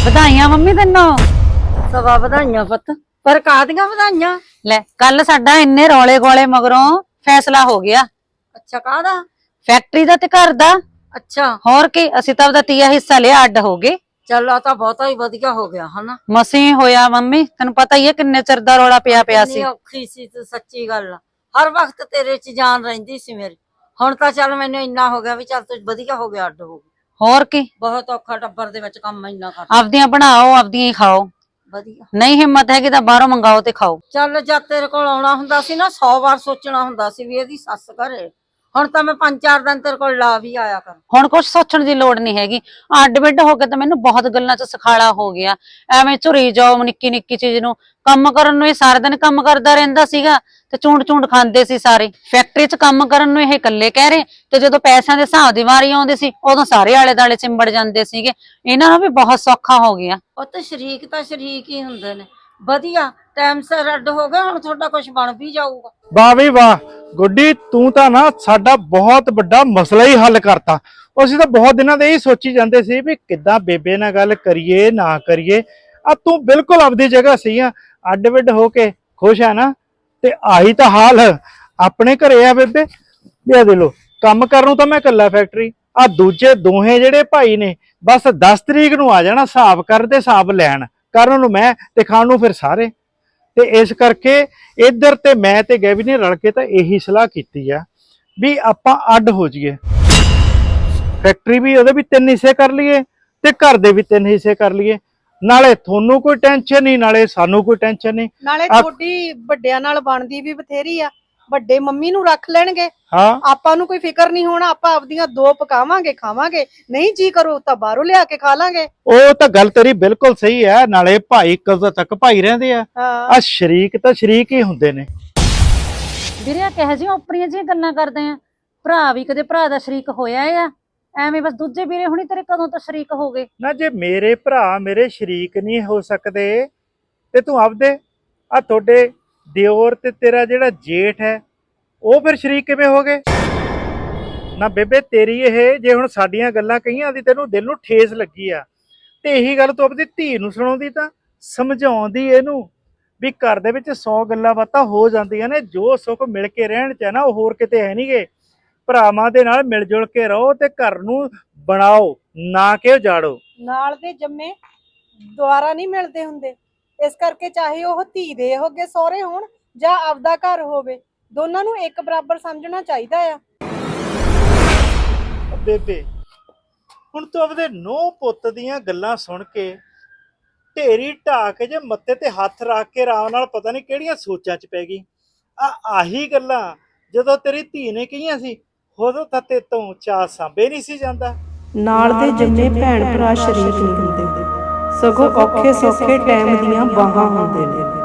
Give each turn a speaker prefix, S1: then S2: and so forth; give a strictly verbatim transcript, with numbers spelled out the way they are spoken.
S1: ਵਧਾਈਆਂ ਮੰਮੀ ਤੈਨੂੰ।
S2: ਸਵਾ ਵਧਾਈਆਂ ਪੁੱਤ, ਪਰ ਕਾਹਦੀਆਂ ਵਧਾਈਆਂ?
S1: ਲੈ ਕੱਲ ਸਾਡਾ ਇੰਨੇ ਰੌਲੇ ਗੋਲੇ ਮਗਰੋਂ ਫੈਸਲਾ ਹੋ ਗਿਆ।
S2: ਅੱਛਾ, ਕਾਹਦਾ?
S1: ਫੈਕਟਰੀ ਦਾ ਤੇ ਘਰ ਦਾ।
S2: ਅੱਛਾ,
S1: ਹੋਰ ਕੀ, ਅਸੀਂ ਤਾਂ ਉਹਦਾ ਤੀਆ ਹਿੱਸਾ ਲਿਆ, ਅੱਡ ਹੋ ਗਏ।
S2: ਚੱਲ ਆ ਤਾਂ ਬਹੁਤਾ ਹੀ ਵਧੀਆ ਹੋ ਗਿਆ ਹਨਾ।
S1: ਮਸੀਂ ਹੋਇਆ ਮੰਮੀ, ਤੈਨੂੰ ਪਤਾ ਹੀ ਹੈ ਕਿੰਨੇ ਚਿਰ ਦਾ ਰੌਲਾ ਪਿਆ ਪਿਆ ਸੀ।
S2: ਕਿੰਨੀ ਔਖੀ ਸੀ ਤੂੰ, ਸੱਚੀ ਗੱਲ ਆ। ਹਰ ਵਕਤ ਤੇਰੇ 'ਚ ਜਾਨ ਰਹਿੰਦੀ ਸੀ ਮੇਰੀ। ਹੁਣ ਤਾਂ ਚੱਲ ਮੈਨੂੰ ਇੰਨਾ ਹੋ ਗਿਆ ਵੀ ਚੱਲ ਤੂੰ ਵਧੀਆ ਹੋ ਗਿਆ, ਅੱਡ ਹੋ ਗਈ।
S1: ਹੋਰ ਕੀ,
S2: ਬਹੁਤ ਔਖਾ ਟੱਬਰ ਦੇ ਵਿੱਚ ਕੰਮ ਇੰਨਾ ਕਰ।
S1: ਆਪਦੀਆਂ ਬਣਾਓ, ਆਪਦੀਆਂ ਹੀ ਖਾਓ।
S2: ਵਧੀਆ।
S1: ਨਹੀਂ ਹਿੰਮਤ ਹੈਗੀ ਤਾਂ ਬਾਹਰੋਂ ਮੰਗਾਓ ਤੇ ਖਾਓ।
S2: ਚੱਲ ਜਦ ਤੇਰੇ ਕੋਲ ਆਉਣਾ ਹੁੰਦਾ ਸੀ ਨਾ, ਸੌ ਵਾਰ ਸੋਚਣਾ ਹੁੰਦਾ ਸੀ ਵੀ ਇਹਦੀ ਸੱਸ ਘਰੇ। ਹੁਣ ਤਾਂ ਮੈਂ ਪੰਜ ਚਾਰ ਦਿਨ ਤੇਰੇ ਕੋਲ ਲਾ ਵੀ ਆਇਆ ਕਰ।
S1: ਹੁਣ ਕੁਛ ਸੋਚਣ ਦੀ ਲੋੜ ਨਹੀਂ ਹੈਗੀ। ਅੱਡ ਬਿੱਡ ਹੋ ਕੇ ਤਾਂ ਮੈਨੂੰ ਬਹੁਤ ਗੱਲਾਂ 'ਚ ਸਖਾਲਾ ਹੋ ਗਿਆ। ਐਵੇਂ ਝੁਰੀ ਜਾਓ ਨਿੱਕੀ ਨਿੱਕੀ ਚੀਜ਼ ਨੂੰ। ਕੰਮ ਕਰਨ ਨੂੰ ਇਹ ਸਾਰਾ ਦਿਨ ਕੰਮ ਕਰਦਾ ਰਹਿੰਦਾ ਸੀਗਾ ਤੇ ਚੂੰਡ ਚੂੰਡ ਖਾਂਦੇ ਸੀ ਸਾਰੇ। ਫੈਕਟਰੀ 'ਚ ਕੰਮ ਕਰਨ ਨੂੰ ਇਹ ਇਕੱਲੇ ਕਹਿ ਰਹੇ, ਤੇ ਜਦੋਂ ਪੈਸਿਆਂ ਦੇ ਹਿਸਾਬ ਦੀ ਵਾਰੀ ਆਉਂਦੀ ਸੀ ਉਦੋਂ ਸਾਰੇ ਆਲੇ ਦੁਆਲੇ ਚਿੰਬੜ ਜਾਂਦੇ ਸੀਗੇ। ਇਹਨਾਂ ਨੂੰ ਵੀ ਬਹੁਤ ਸੌਖਾ ਹੋ ਗਿਆ।
S2: ਉਹ ਤੇ ਸ਼ਰੀਕ ਤਾਂ ਸ਼ਰੀਕ ਹੀ ਹੁੰਦੇ ਨੇ। ਵਧੀਆ ਟਾਈਮ ਸਿਰ ਅੱਡ ਹੋ ਗਏ, ਹੁਣ ਤੁਹਾਡਾ ਕੁਝ ਬਣ ਵੀ ਜਾਊਗਾ।
S3: ਵਾਹ ਵੀ ਵਾਹ ਗੁੱਡੀ, ਤੂੰ ਤਾਂ ਨਾ ਸਾਡਾ ਬਹੁਤ ਵੱਡਾ ਮਸਲਾ ਹੀ ਹੱਲ ਕਰਤਾ। ਅਸੀਂ ਤਾਂ ਬਹੁਤ ਦਿਨਾਂ ਦੇ ਹੀ ਸੋਚੀ ਜਾਂਦੇ ਸੀ ਵੀ ਕਿੱਦਾਂ ਬੇਬੇ ਨਾਲ ਗੱਲ ਕਰੀਏ ਨਾ ਕਰੀਏ। ਆ ਤੂੰ ਬਿਲਕੁਲ ਆਪਦੀ ਜਗ੍ਹਾ ਸਹੀ ਆ। ਅੱਡ ਵਿੱਡ ਹੋ ਕੇ ਖੁਸ਼ ਆ ਨਾ, ਤੇ ਆਹੀ ਤਾਂ ਹਾਲ ਆਪਣੇ ਘਰੇ ਆ ਬੇਬੇ। ਲਿਆ ਦੇ ਲੋ, ਕੰਮ ਕਰਨ ਨੂੰ ਤਾਂ ਮੈਂ ਇਕੱਲਾ ਫੈਕਟਰੀ, ਆ ਦੂਜੇ ਦੋਹੇ ਜਿਹੜੇ ਭਾਈ ਨੇ ਬਸ ਦਸ ਤਰੀਕ ਨੂੰ ਆ ਜਾਣਾ ਹਿਸਾਬ ਕਰਨ ਤੇ ਹਿਸਾਬ ਲੈਣ। ਕਰਨ ਨੂੰ ਮੈਂ ਤੇ ਖਾਣ ਨੂੰ ਫਿਰ ਸਾਰੇ। ਤੇ ਇਸ ਕਰਕੇ ਇੱਧਰ ਤੇ ਮੈਂ ਤੇ ਗੈਵੀ ਨੇ ਰਲ ਕੇ ਤਾਂ ਇਹੀ ਸਲਾਹ ਕੀਤੀ ਆ ਵੀ ਆਪਾਂ ਅੱਡ ਹੋ ਜਾਈਏ। ਫੈਕਟਰੀ ਵੀ ਉਹਦੇ ਵੀ ਤਿੰਨ ਹਿੱਸੇ ਕਰ ਲਈਏ ਤੇ ਘਰ ਦੇ ਵੀ ਤਿੰਨ ਹਿੱਸੇ ਕਰ ਲਈਏ। ਨਾਲੇ ਤੁਹਾਨੂੰ ਕੋਈ ਟੈਨਸ਼ਨ ਨਹੀਂ, ਨਾਲੇ ਸਾਨੂੰ ਕੋਈ ਟੈਨਸ਼ਨ ਨਹੀਂ।
S4: ਨਾਲੇ ਤੁਹਾਡੀ ਵੱਡਿਆਂ ਨਾਲ ਬਣਦੀ ਵੀ ਬਥੇਰੀ ਆ। ਵੱਡੇ ਮੰਮੀ ਨੂੰ ਰੱਖ ਲੈਣਗੇ,
S3: ਹਾਂ,
S4: ਆਪਾਂ ਨੂੰ ਕੋਈ ਫਿਕਰ ਨਹੀਂ ਹੋਣਾ। ਆਪਾਂ ਆਪਦੀਆਂ ਦੋ ਪਕਾਵਾਂਗੇ, ਖਾਵਾਂਗੇ। ਨਹੀਂ ਜੀ ਕਰੂ ਤਾਂ ਬਾਹਰੋਂ ਲਿਆ ਕੇ ਖਾ ਲਾਂਗੇ।
S3: ਉਹ ਤਾਂ ਗੱਲ ਤੇਰੀ ਬਿਲਕੁਲ ਸਹੀ ਹੈ। ਨਾਲੇ ਭਾਈ ਕਦੋਂ ਤੱਕ ਭਾਈ ਰਹਿੰਦੇ ਆ, ਆ ਸ਼ਰੀਕ ਤਾਂ ਸ਼ਰੀਕ ਹੀ ਹੁੰਦੇ ਨੇ।
S1: ਵੀਰੇ ਕਿਹੋ ਜਿਹੀਆਂ ਉਪਰੀਆਂ ਜਿਹੀਆਂ ਗੱਲਾਂ ਕਰਦੇ ਆ। ਭਰਾ ਵੀ ਕਦੇ ਭਰਾ ਦਾ ਸ਼ਰੀਕ ਹੋਇਆ ਆ? ਐਵੇਂ ਬਸ ਦੂਜੇ ਵੀਰੇ ਹੁਣੀ ਤੇਰੇ ਕਦੋਂ ਤੋਂ ਸ਼ਰੀਕ ਹੋ ਗਏ?
S3: ਨਾ ਜੇ ਮੇਰੇ ਭਰਾ ਮੇਰੇ ਸ਼ਰੀਕ ਨਹੀਂ ਹੋ ਸਕਦੇ ਤੇ ਤੂੰ ਆਪਦੇ ਆ ਤੁਹਾਡੇ ਦਿਓਰ ਤੇ ਤੇਰਾ ਜਿਹੜਾ ਜੇਠ ਹੈ ਉਹ ਫਿਰ ਸ਼ਰੀਕ ਕਿਵੇਂ ਹੋ ਗਏ? ਨਾ ਬੇਬੇ ਤੇਰੀ ਇਹ ਜੇ ਹੁਣ ਸਾਡੀਆਂ ਗੱਲਾਂ ਕਹੀਆਂ ਦੀ ਤੈਨੂੰ ਦਿਲ ਨੂੰ ਠੇਸ ਲੱਗੀ ਆ, ਤੇ ਇਹੀ ਗੱਲ ਤੂੰ ਆਪਣੀ ਧੀ ਨੂੰ ਸੁਣਾਉਂਦੀ, ਤਾਂ ਸਮਝਾਉਂਦੀ ਇਹਨੂੰ ਵੀ ਘਰ ਦੇ ਵਿੱਚ ਸੌ ਗੱਲਾਂ ਬਾਤਾਂ ਹੋ ਜਾਂਦੀਆਂ ਨੇ। ਜੋ ਸੁੱਖ ਮਿਲ ਕੇ ਰਹਿਣ ਚ ਹੈ ਨਾ, ਉਹ ਹੋਰ ਕਿਤੇ ਹੈ ਨੀ ਗੇ। ਭਰਾਵਾਂ ਦੇ ਨਾਲ ਮਿਲ ਜੁਲ ਕੇ ਰਹੋ ਤੇ ਘਰ ਨੂੰ ਬਣਾਓ, ਨਾ ਕਿ ਉਜਾੜੋ।
S4: ਨਾਲ ਦੇ ਜੰਮੇ ਦੁਆਰਾ ਨਹੀਂ ਮਿਲਦੇ ਹੁੰਦੇ। ਇਸ ਕਰਕੇ ਚਾਹੇ ਉਹ ਧੀ ਦੇ ਹੋਗੇ ਸਹੁਰੇ ਹੋਣ ਜਾਂ ਆਪਦਾ ਘਰ ਹੋਵੇ, ਦੋਨਾਂ ਨੂੰ ਇੱਕ ਬਰਾਬਰ ਸਮਝਣਾ ਚਾਹੀਦਾ ਆ।
S3: ਬੇਬੇ ਹੁਣ ਤੂੰ ਆਪਦੇ ਨੂੰਹ ਪੁੱਤ ਦੀਆਂ ਗੱਲਾਂ ਸੁਣ ਕੇ ਢੇਰੀ ਢਾ ਕੇ ਜੇ ਮੱਥੇ ਤੇ ਹੱਥ ਰੱਖ ਕੇ ਆਰਾਮ ਨਾਲ ਪਤਾ ਨਹੀਂ ਕਿਹੜੀਆਂ ਸੋਚਾਂ 'ਚ ਪੈ ਗਈ। ਆ ਆਹੀ ਗੱਲਾਂ ਜਦੋਂ ਤੇਰੀ ਧੀ ਨੇ ਕਹੀਆਂ ਸੀ, ਉਦੋਂ ਤਾਂ ਤੇ ਤੋਂ ਚਾਹ ਸਾਂਭੇ ਨਹੀਂ ਸੀ ਜਾਂਦਾ।
S5: ਨਾਲ ਦੇ ਜੰਮੇ ਭੈਣ ਭਰਾ ਸ਼ਰੀਕ ਨਹੀਂ ਹੁੰਦੇ, ਸਗੋਂ ਔਖੇ ਸੌਖੇ ਟਾਈਮ ਦੀਆਂ ਬਾਹਾਂ ਹੁੰਦੇ ਨੇ।